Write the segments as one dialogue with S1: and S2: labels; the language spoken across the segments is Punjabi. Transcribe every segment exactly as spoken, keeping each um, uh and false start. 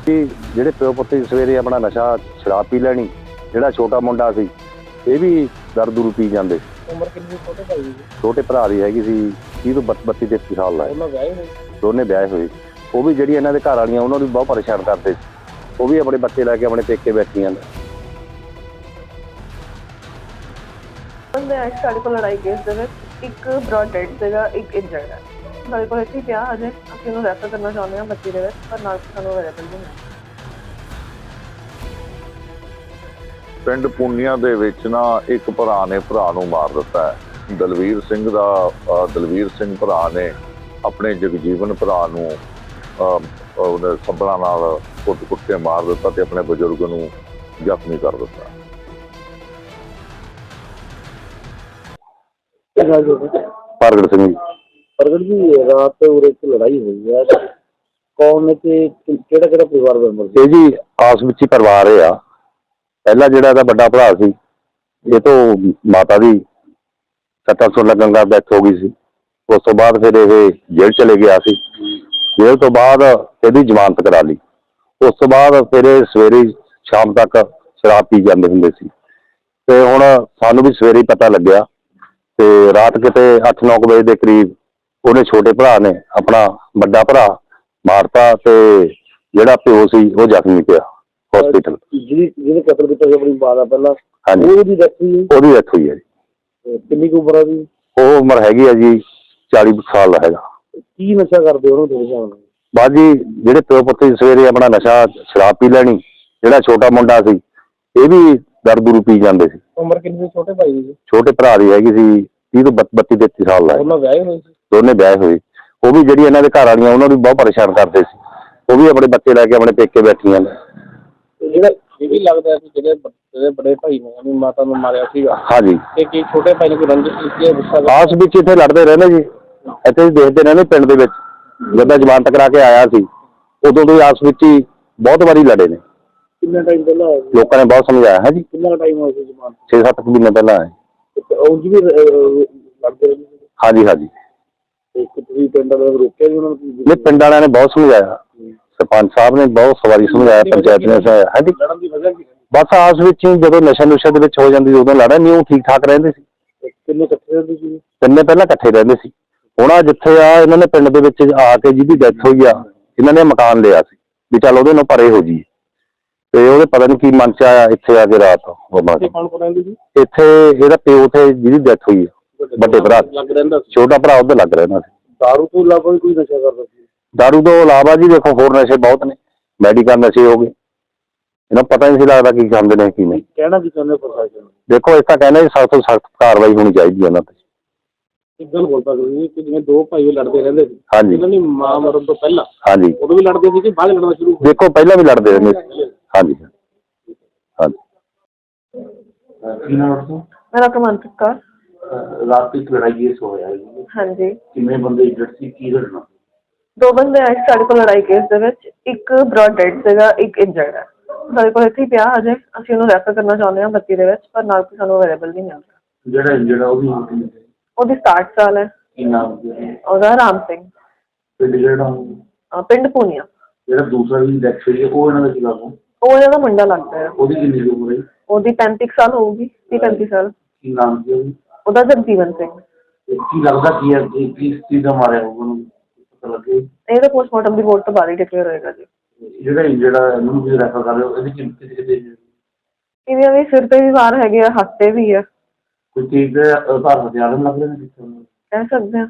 S1: ਜਿਹੜੇ ਪਿਓ ਪੁੱਤ ਸਵੇਰੇ ਆਪਣਾ ਨਸ਼ਾ ਸ਼ਰਾਬ ਪੀ ਲੈਣੀ, ਜਿਹੜਾ ਛੋਟਾ ਮੁੰਡਾ ਸੀ ਇਹ ਵੀ ਦਰ ਦੂਰ ਪੀ ਜਾਂਦੇ।
S2: ਉਮਰ ਕਿੰਨੀ ਛੋਟੇ ਭਾਈ ਦੀ?
S1: ਛੋਟੇ ਭਰਾ ਦੀ ਹੈਗੀ ਸੀ ਤੀਹ ਤੋਂ ਬੱਤੀ ਤੇਤੀ ਸਾਲ ਦਾ।
S2: ਉਹਨਾਂ ਵਿਆਹੇ ਹੋਏ?
S1: ਦੋਨੇ ਵਿਆਹੇ ਹੋਏ। ਉਹ ਵੀ ਜਿਹੜੀ ਇਹਨਾਂ ਦੇ ਘਰ ਵਾਲੀਆਂ ਉਹਨਾਂ ਨੂੰ ਬਹੁਤ ਪਰੇਸ਼ਾਨ ਕਰਦੇ ਸੀ। ਉਹ ਵੀ ਆਪਣੇ ਬੱਚੇ ਲੈ ਕੇ ਆਪਣੇ ਪੇਕੇ ਬੈਠੀਆਂ ਨੇ।
S3: ਸਾਡੇ ਕੋਲ ਲੜਾਈ ਕੇਸ ਦੇ ਵਿੱਚ ਇੱਕ ਬ੍ਰੌਡ ਡੈਡ ਸੀਗਾ, ਇੱਕ ਇੰਜਰਡ ਹੈ। ਸਾਡੇ ਕੋਲ ਇੱਥੇ ਪਿਆ ਅਜੇ, ਅਸੀਂ ਉਹਨੂੰ ਰੈਫਰ ਕਰਨਾ ਚਾਹੁੰਦੇ ਹਾਂ ਬੱਚੀ ਦੇ ਵਿੱਚ, ਪਰ ਨਾਲ ਸਾਨੂੰ ਅਵੇਲੇਬਲ ਨਹੀਂ ਹੈ।
S4: ਪਿੰਡ ਪੁੰਨੀਆਂ ਦੇ ਵਿੱਚ ਨਾ ਇੱਕ ਭਰਾ ਨੇ ਭਰਾ ਨੂੰ ਮਾਰ ਦਿੱਤਾ ਹੈ। ਦਲਵੀਰ ਸਿੰਘ ਦਾ ਦਲਵੀਰ ਸਿੰਘ ਭਰਾ ਨੇ ਆਪਣੇ ਜਗਜੀਵਨ ਭਰਾ ਨੂੰ ਉਹਨੇ ਸੱਬਲਾਂ ਨਾਲ ਕੁੱਟ ਕੁੱਟ ਕੇ ਮਾਰ ਦਿੱਤਾ ਤੇ ਆਪਣੇ ਬਜ਼ੁਰਗ ਨੂੰ ਜ਼ਖਮੀ ਕਰ ਦਿੱਤਾ।
S1: ਪ੍ਰਗਟ ਸਿੰਘ ਜੀ।
S2: ਪ੍ਰਗਟ ਜੀ, ਰਾਤ ਉਰੇ ਇੱਕ ਲੜਾਈ ਹੋਈ ਹੈ, ਕੌਣ ਨੇ ਤੇ ਕਿਹੜਾ ਕਿਹੜਾ ਪਰਿਵਾਰ ਮੈਂਬਰ ਸੀ?
S1: ਇਹ ਜੀ ਆਸ ਵਿੱਚ ਹੀ ਪਰਿਵਾਰ ਆ। ਪਹਿਲਾ ਜਿਹੜਾ ਇਹਦਾ ਵੱਡਾ ਭਰਾ ਸੀ, ਇਹ ਤੋਂ ਮਾਤਾ ਦੀ ਸੱਟਾਂ ਸੁੱਟਾਂ ਲੱਗਣ ਦਾ ਡੈਥ ਹੋ ਗਈ ਸੀ। ਉਸ ਤੋਂ ਬਾਅਦ ਫਿਰ ਇਹ ਜੇਲ੍ਹ ਚਲੇ ਗਿਆ ਸੀ। ਜੇਲ੍ਹ ਤੋਂ ਬਾਅਦ ਇਹਦੀ ਜ਼ਮਾਨਤ ਕਰਾ ਲਈ। ਉਸ ਤੋਂ ਬਾਅਦ ਫਿਰ ਇਹ ਸਵੇਰੇ ਸ਼ਾਮ ਤੱਕ ਸ਼ਰਾਬ ਪੀ ਜਾਂਦੇ ਹੁੰਦੇ ਸੀ। ਤੇ ਹੁਣ ਸਾਨੂੰ ਵੀ ਸਵੇਰੇ ਹੀ ਪਤਾ ਲੱਗਿਆ ਤੇ ਰਾਤ ਕਿਤੇ ਅੱਠ ਨੌ ਕੁ ਵਜੇ ਦੇ ਕਰੀਬ ਉਹਨੇ ਛੋਟੇ ਭਰਾ ਨੇ ਆਪਣਾ ਵੱਡਾ ਭਰਾ ਮਾਰਤਾ ਤੇ ਜਿਹੜਾ ਪਿਓ ਸੀ ਉਹ ਜ਼ਖਮੀ ਪਿਆ ਹਸਪੀਟਲ।
S2: ਜਿਹਦੀ ਜਿਹਨੇ ਕਤਲ ਕੀਤਾ ਸੀ ਆਪਣੀ ਮਾਂ ਦਾ ਪਹਿਲਾਂ,
S1: ਹਾਂਜੀ,
S2: ਉਹਦੀ ਡੈਥ ਹੋਈ?
S1: ਉਹਦੀ ਡੈਥ ਹੋਈ ਹੈ ਜੀ।
S2: ਕਿੰਨੀ ਕੁ ਉਮਰ ਆ ਜੀ?
S1: ਉਹ ਉਮਰ ਹੈਗੀ ਆ ਜੀ ਚਾਲੀ ਸਾਲ ਦਾ ਹੈਗਾ।
S2: ਕੀ ਨਸ਼ਾ ਕਰਦੇ ਉਹਨੂੰ ਥੋੜੇ ਜਾਣ?
S1: ਬਾਅਦ ਜੀ ਜਿਹੜੇ ਪਿਓ ਪੁੱਤ ਸਵੇਰੇ ਆਪਣਾ ਨਸ਼ਾ ਸ਼ਰਾਬ ਪੀ ਲੈਣੀ, ਜਿਹੜਾ ਛੋਟਾ ਮੁੰਡਾ ਸੀ ਇਹ ਵੀ ਦਰ ਦੂਰ ਪੀ ਜਾਂਦੇ ਸੀ।
S2: ਉਮਰ ਕਿੰਨੀ ਛੋਟੇ ਭਾਈ ਦੀ?
S1: ਛੋਟੇ ਭਰਾ ਦੀ ਹੈਗੀ ਸੀ ਤੀਹ ਤੋਂ ਬੱਤੀ ਤੇਤੀ ਸਾਲ ਦਾ।
S2: ਉਹਨਾਂ ਵਿਆਹੇ ਹੋਏ ਸੀ?
S1: ਦੋਨੇ ਵਿਆਹੇ ਹੋਏ। ਉਹ ਵੀ ਜਿਹੜੀ ਇਹਨਾਂ ਦੇ ਘਰ ਵਾਲੀਆਂ ਉਹਨਾਂ ਨੂੰ ਬਹੁਤ ਪਰੇਸ਼ਾਨ ਕਰਦੇ ਸੀ। ਉਹ ਵੀ ਆਪਣੇ ਬੱਚੇ ਲੈ ਕੇ ਆਪਣੇ ਪੇਕੇ ਬੈਠੀਆਂ ਨੇ।
S2: ਜਿਹੜਾ ਇਹ ਵੀ ਲੱਗਦਾ ਕਿ ਜਿਹੜੇ ਜਿਹੜੇ ਬੜੇ ਭਾਈ ਨੇ ਆਪਣੀ ਮਾਤਾ ਨੂੰ ਮਾਰਿਆ ਸੀਗਾ,
S1: ਹਾਂਜੀ,
S2: ਤੇ ਕੀ ਛੋਟੇ ਭਾਈ ਨੇ ਕੋਈ ਰੰਜਿਸ਼ ਕੀਤੀ ਹੈ? ਗੁੱਸਾ
S1: ਆਸ ਵਿੱਚ ਇੱਥੇ ਲੜਦੇ ਰਹਿੰਦੇ ਜੀ। ਇੱਥੇ ਹੀ ਦੇਖਦੇ ਰਹਿੰਦੇ ਪਿੰਡ ਦੇ ਵਿੱਚ। ਜਦੋਂ ਜ਼ਮਾਨਤ ਕਰਾ ਕੇ ਆਇਆ ਸੀ ਉਦੋਂ ਤੋਂ ਹੀ ਆਸ ਵਿੱਚ ਹੀ ਬਹੁਤ ਵਾਰੀ ਲੜੇ ਨੇ।
S2: ਕਿੰਨਾ ਟਾਈਮ ਪਹਿਲਾਂ ਹੋਇਆ?
S1: ਲੋਕਾਂ ਨੇ ਬਹੁਤ ਸਮਝਾਇਆ ਹੈ ਜੀ।
S2: ਕਿੰਨਾ ਟਾਈਮ ਹੋਇਆ ਸੀ ਜ਼ਮਾਨਤ?
S1: ਛੇ ਸੱਤ ਮਹੀਨੇ ਪਹਿਲਾਂ ਆਏ।
S2: ਉਂਝ ਵੀ ਲੜਦੇ ਰਹਿੰਦੇ ਸੀ?
S1: ਹਾਂਜੀ ਹਾਂਜੀ।
S2: ਤੇ ਤੁਸੀਂ ਪਿੰਡ ਵਾਲਿਆਂ ਨੂੰ ਰੋਕਿਆ ਜੀ ਉਹਨਾਂ ਨੂੰ?
S1: ਨਹੀਂ, ਪਿੰਡ ਵਾਲਿਆਂ ਨੇ ਬਹੁਤ ਸਮਝਾਇਆ। ਸਰਪੰਚ ਸਾਹਿਬ ਨੇ ਬਹੁਤ ਵਾਰੀ ਸਮਝਾਇਆ, ਪੰਚਾਇਤ ਨੇ ਸਮਝਾਇਆ। ਹਾਂਜੀ,
S2: ਲੜਨ ਦੀ ਵਜ੍ਹਾ ਕੀ?
S1: ਬਸ ਆਸ ਵਿੱਚ ਹੀ ਜਦੋਂ ਨਸ਼ਾ ਨੁਸ਼ਾ ਦੇ ਵਿੱਚ ਹੋ ਜਾਂਦੀ ਉਦੋਂ ਲੜਨ ਨਹੀਂ, ਉਹ ਠੀਕ ਠਾਕ ਰਹਿੰਦੇ ਸੀ।
S2: ਕਿੰਨੇ ਇਕੱਠੇ ਰਹਿੰਦੇ ਸੀ?
S1: ਤਿੰਨੇ ਪਹਿਲਾਂ ਇਕੱਠੇ ਰਹਿੰਦੇ ਸੀ। ਹੁਣ ਆ ਜਿੱਥੇ ਆ ਇਹਨਾਂ ਨੇ ਪਿੰਡ ਦੇ ਵਿੱਚ ਆ ਕੇ ਜਿਹਦੀ ਡੈਥ ਹੋਈ ਆ, ਇਹਨਾਂ ਨੇ ਮਕਾਨ ਲਿਆ ਸੀ ਵੀ ਚੱਲ ਉਹਦੇ ਨਾਲ ਪਰੇ ਹੋ ਜੀ। ਤੇ ਉਹਦੇ ਪਤਾ ਨਹੀਂ ਕੀ ਮਨ ਚ ਆਇਆ ਇੱਥੇ ਆ ਕੇ ਰਾਤ
S2: ਕੌਣ ਕੌਣ ਰਹਿੰਦੇ ਸੀ
S1: ਇੱਥੇ? ਇਹਦਾ ਪਿਓ ਤੇ ਜਿਹਦੀ ਡੈਥ ਹੋਈ ਆ ਵੱਡੇ ਭਰਾ,
S2: ਲੱਗ ਰਹਿੰਦਾ ਸੀ।
S1: ਛੋਟਾ ਭਰਾ ਉਹਦੇ ਲੱਗ ਰਹਿੰਦਾ ਸੀ।
S2: ਦਾਰੂ ਤੋਂ ਇਲਾਵਾ ਵੀ ਕੋਈ ਨਸ਼ਾ ਕਰਦਾ ਸੀ?
S1: ਦਾਰੂ ਤੋਂ ਇਲਾਵਾ ਜੀ ਦੇਖੋ ਹੋਰ ਨਸ਼ੇ ਬਹੁਤ ਨੇ, ਮੈਡੀਕਲ ਨਸ਼ੇ ਹੋ ਗਏ। ਇਹਨਾਂ ਨੂੰ ਪਤਾ ਨਹੀਂ ਸੀ ਲੱਗਦਾ ਕੀ ਖਾਂਦੇ ਨੇ ਕੀ ਨਹੀਂ।
S2: ਕਹਿਣਾ ਕੀ ਚਾਹੁੰਦੇ ਪ੍ਰਸ਼ਾਸਨ ਨੂੰ?
S1: ਦੇਖੋ ਇਸ ਤਾਂ ਕਹਿੰਦੇ ਸਖਤ ਤੋਂ ਸਖਤ ਕਾਰਵਾਈ ਹੋਣੀ ਚਾਹੀਦੀ ਹੈ ਉਹਨਾਂ ਤੇ।
S2: ਇੱਕ ਗੱਲ ਬੋਲਦਾ ਤੁਸੀਂ ਕਿ ਜਿਵੇਂ ਦੋ ਭਾਈ ਲੜਦੇ ਰਹਿੰਦੇ ਸੀ,
S1: ਹਾਂਜੀ,
S2: ਇਹਨਾਂ ਦੀ ਮਾਂ ਮਰਨ ਤੋਂ ਪਹਿਲਾਂ
S1: ਹਾਂਜੀ,
S2: ਉਦੋਂ ਵੀ ਲੜਦੇ ਸੀ ਕਿ ਬਾਅਦ ਲੜਨਾ ਸ਼ੁਰੂ?
S1: ਦੇਖੋ ਪਹਿਲਾਂ ਵੀ ਲੜਦੇ ਰਹਿੰਦੇ ਸੀ। ਹਾਂਜੀ ਹਾਂਜੀ।
S2: ਕੀ ਨਾਮ ਹੈ?
S3: ਮੇਰਾ ਕਮੰਤ ਕੌਰ।
S2: ਰਾਤ ਦੀ ਲੜਾਈ ਇਸ ਹੋਇਆ ਜੀ?
S3: ਹਾਂਜੀ।
S2: ਕਿੰਨੇ ਬੰਦੇ ਇੰਜਰਡ ਸੀ? ਕੀ ਲੜਨਾ?
S3: ਦੋ ਬੰਦੇ ਆਏ ਸਾਡੇ ਕੋਲ ਲੜਾਈ ਕੇਸ ਦੇ ਵਿੱਚ, ਇੱਕ ਬ੍ਰੌਡ ਡੈਡ ਸੀਗਾ, ਇੱਕ ਇੰਜਰਡ ਹੈ। ਸਾਡੇ ਕੋਲ ਇੱਥੇ ਪਿਆ ਅਜੇ, ਅਸੀਂ ਉਹਨੂੰ ਰੈਫਰ ਕਰਨਾ ਚਾਹੁੰਦੇ ਹਾਂ ਬੱਚੀ ਦੇ ਵਿੱਚ, ਪਰ ਨਾਲ ਸਾਨੂੰ ਅਵੇਲੇਬਲ ਨਹੀਂ ਮਿਲ ਰਿਹਾ।
S2: ਜਿਹੜਾ ਇੰਜਰਡ ਆ ਉਹਦੀ
S3: ਉਹਦੀ ਸਤਾਹਠ ਸਾਲ ਹੈ।
S2: ਕੀ ਨਾਮ
S3: ਉਹਦਾ ਰਾਮ ਸਿੰਘ।
S2: ਪਿੰਡ ਜਿਹੜਾ
S3: ਪਿੰਡ ਪੂਨੀਆ।
S2: ਜਿਹੜਾ ਦੂਸਰਾ ਵੀ ਡੈਥ ਹੋਈ ਹੈ ਉਹ ਇਹਨਾਂ ਦਾ ਕੀ ਲੱਗਦਾ?
S3: ਉਹ ਇਹਨਾਂ ਦਾ ਮੁੰਡਾ ਲੱਗਦਾ ਹੈ।
S2: ਉਹਦੀ ਕਿੰਨੀ ਉਮਰ ਹੈ?
S3: ਉਹਦੀ ਪੈਂਤੀ ਸਾਲ ਹੋਊਗੀ, ਤੀਹ ਪੈਂਤੀ ਸਾਲ।
S2: ਕੀ ਨਾਮ ਸੀ ਉਹਦੀ?
S3: ਉਹਦਾ ਜਗਜੀਵਨ ਸਿੰਘ।
S2: ਕੀ ਲੱਗਦਾ ਕੀ ਹੈ ਕਿ ਕਿਸ ਚੀਜ਼ ਦਾ ਮਾਰਿਆ ਹੋਊਗਾ ਉਹਨੂੰ? ਪਤਾ ਲੱਗੇ?
S3: ਇਹ ਤਾਂ ਪੋਸਟਮਾਰਟਮ ਦੀ ਰਿਪੋਰਟ ਤੋਂ ਬਾਅਦ ਹੀ ਡਿਕਲੇਅਰ ਹੋਏਗਾ ਜੀ।
S2: ਜਿਹੜਾ ਜਿਹੜਾ ਇਹਨੂੰ ਵੀ ਰੈਫਰ ਕਰ ਰਹੇ ਹੋ ਇਹਦੀ ਕਿੰਨੀ ਕਿਤੇ
S3: ਇਹਦੀਆਂ ਵੀ ਸਿਰ ਤੇ ਵੀ ਵਾਰ ਹੈਗੇ ਆ, ਹੱਥ ਤੇ ਵੀ ਆ।
S2: ਕੋਈ ਚੀਜ਼ ਦੇ ਆਧਾਰ ਹਥਿਆਰ ਲੱਗ ਰਹੇ ਨੇ ਕਿੱਥੇ?
S3: ਕਹਿ ਸਕਦੇ ਹਾਂ।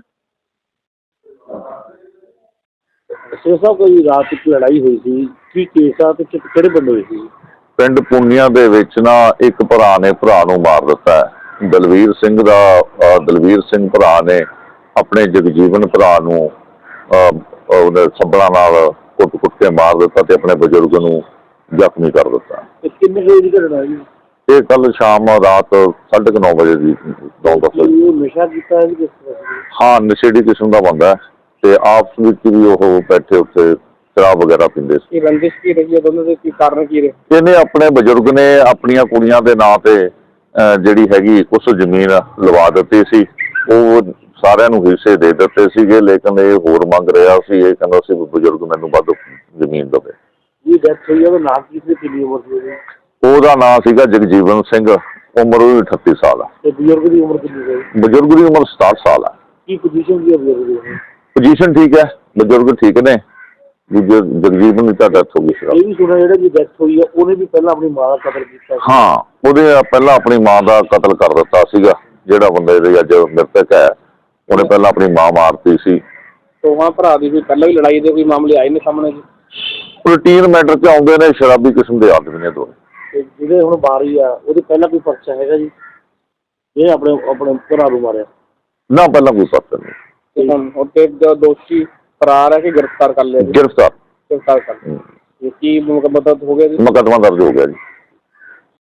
S2: ਸੋ ਸਾਹਿਬ, ਕੋਈ ਰਾਤ ਇੱਕ ਲੜਾਈ ਹੋਈ ਸੀ, ਕੀ ਕੇਸ ਆ ਤੇ ਕਿਹੜੇ ਬੰਦੇ ਹੋਏ ਸੀ?
S4: ਪਿੰਡ ਪੁੰਨੀਆਂ ਦੇ ਵਿੱਚ ਨਾ ਇੱਕ ਭਰਾ ਨੇ ਭਰਾ ਨੂੰ ਮਾਰ ਦਿੱਤਾ ਹੈ। ਦਲਵੀਰ ਸਿੰਘ ਦਾ ਦਲਵੀਰ ਸਿੰਘ ਭਰਾ ਨੇ ਆਪਣੇ ਜਗਜੀਵਨ ਭਰਾ ਨੂੰ ਉਹਨੇ ਸੱਬਲਾਂ ਨਾਲ ਕੁੱਟ ਕੁੱਟ ਕੇ ਮਾਰ ਦਿੱਤਾ ਤੇ ਆਪਣੇ ਬਜ਼ੁਰਗ ਨੂੰ ਜ਼ਖਮੀ ਕਰ ਦਿੱਤਾ।
S2: ਕਿੰਨੇ ਵਜੇ ਦੀ ਘਟਨਾ ਜੀ?
S4: ਇਹ ਕੱਲ ਸ਼ਾਮ ਰਾਤ ਸਾਢੇ ਕੁ ਨੌ ਵਜੇ ਦੀ ਨੌ ਦਸ ਵਜੇ।
S2: ਨਸ਼ਾ ਕੀਤਾ ਹੈ?
S4: ਹਾਂ, ਨਸ਼ੇੜੀ ਕਿਸਮ ਦਾ ਬੰਦਾ ਤੇ ਆਪਸ ਵਿੱਚ ਵੀ ਉਹ ਬੈਠੇ ਉੱਥੇ ਸ਼ਰਾਬ ਵਗੈਰਾ ਪੀਂਦੇ ਸੀ।
S2: ਇਹ ਰੰਜਿਸ਼ ਕੀ ਰਹੀ ਹੈ ਦੋਨਾਂ ਦੇ? ਕੀ ਕਾਰਨ ਕੀ ਰਹੇ?
S4: ਇਹਨੇ ਆਪਣੇ ਬਜ਼ੁਰਗ ਨੇ ਆਪਣੀਆਂ ਕੁੜੀਆਂ ਦੇ ਨਾਂ ਤੇ ਜਿਹੜੀ ਹੈਗੀ ਕੁਛ ਜ਼ਮੀਨ ਲਵਾ ਦਿੱਤੀ ਸੀ। ਉਹ ਸਾਰਿਆਂ ਨੂੰ ਹਿੱਸੇ ਦੇ ਦਿੱਤੇ ਸੀਗੇ, ਲੇਕਿਨ ਇਹ ਹੋਰ ਮੰਗ ਰਿਹਾ ਸੀ। ਇਹ ਕਹਿੰਦਾ ਸੀ ਬਜ਼ੁਰਗ ਮੈਨੂੰ ਵੱਧ ਜ਼ਮੀਨ ਦੇਵੇ।
S2: ਇਹ ਡੈਥ ਡੈਥ ਹੋਈ ਆ ਉਹਦਾ ਨਾਮ ਕੀ ਸੀ, ਕਿੰਨੀ ਉਮਰ ਸੀ ਉਹਦੀ?
S4: ਉਹਦਾ ਨਾਂ ਸੀਗਾ ਜਗਜੀਵਨ ਸਿੰਘ, ਉਮਰ ਉਹਦੀ ਅਠੱਤੀ ਸਾਲ ਆ।
S2: ਤੇ ਬਜ਼ੁਰਗ ਦੀ ਉਮਰ ਕਿੰਨੀ ਸੀ?
S4: ਬਜ਼ੁਰਗ ਦੀ ਉਮਰ ਸਤਾਹਠ ਸਾਲ ਆ।
S2: ਕੀ ਪੋਜੀਸ਼ਨ ਸੀ ਬਜ਼ੁਰਗ ਦੀ?
S4: ਪੋਜੀਸ਼ਨ ਠੀਕ ਹੈ, ਬਜ਼ੁਰਗ ਠੀਕ ਨੇ। ਦੂਜੇ ਜਗਜੀਵਨ ਦੀ ਤਾਂ ਡੈਥ ਹੋ ਗਈ ਸੀ।
S2: ਇਹ ਵੀ ਸੁਣਿਆ ਜਿਹੜਾ ਜੀ ਡੈਥ ਹੋਈ ਆ ਉਹਨੇ ਵੀ ਪਹਿਲਾਂ ਆਪਣੀ ਮਾਂ ਦਾ ਕਤਲ ਕੀਤਾ ਸੀ।
S4: ਹਾਂ, ਉਹਦੇ ਪਹਿਲਾਂ ਆਪਣੀ ਮਾਂ ਦਾ ਕਤਲ ਕਰ ਦਿੱਤਾ ਸੀਗਾ। ਜਿਹੜਾ ਬੰਦੇ ਦੇ ਅੱਜ ਮ੍ਰਿਤਕ ਹੈ ਉਹਨੇ ਪਹਿਲਾਂ ਆਪਣੀ ਮਾਂ ਮਾਰਤੀ ਸੀ।
S2: ਦੋਵਾਂ ਭਰਾ ਦੀ ਕੋਈ ਪਹਿਲਾਂ ਵੀ ਲੜਾਈ ਦੇ ਕੋਈ ਮਾਮਲੇ ਆਏ ਨੇ ਸਾਹਮਣੇ ਜੀ?
S4: ਰੂਟੀਨ ਮੈਟਰ 'ਚ ਆਉਂਦੇ ਨੇ, ਸ਼ਰਾਬੀ ਕਿਸਮ ਦੇ ਆਦਮੀ ਨੇ ਦੋਵੇਂ।
S2: ਤੇ ਜਿਹੜੇ ਹੁਣ ਬਾਰੀ ਆ ਉਹਦੇ ਪਹਿਲਾਂ ਕੋਈ ਪਰਚਾ ਹੈਗਾ ਜੀ? ਇਹ ਆਪਣੇ ਆਪਣੇ ਭਰਾ ਨੂੰ ਮਾਰਿਆ
S4: ਨਾ, ਪਹਿਲਾਂ ਕੋਈ ਪਤਾ ਨਹੀਂ।
S2: ਤੇ ਦੋਸ਼ੀ ਫਰਾਰ ਹੈ ਕਿ ਗ੍ਰਿਫਤਾਰ ਕਰ ਲਿਆ?
S4: ਗ੍ਰਿਫਤਾਰ
S2: ਗ੍ਰਿਫਤਾਰ ਕਰ ਲਿਆ। ਕੀ ਮਤਲਬ ਹੋ ਗਿਆ ਜੀ?
S4: ਮੁਕੱਦਮਾ ਦਰਜ ਹੋ ਗਿਆ ਜੀ।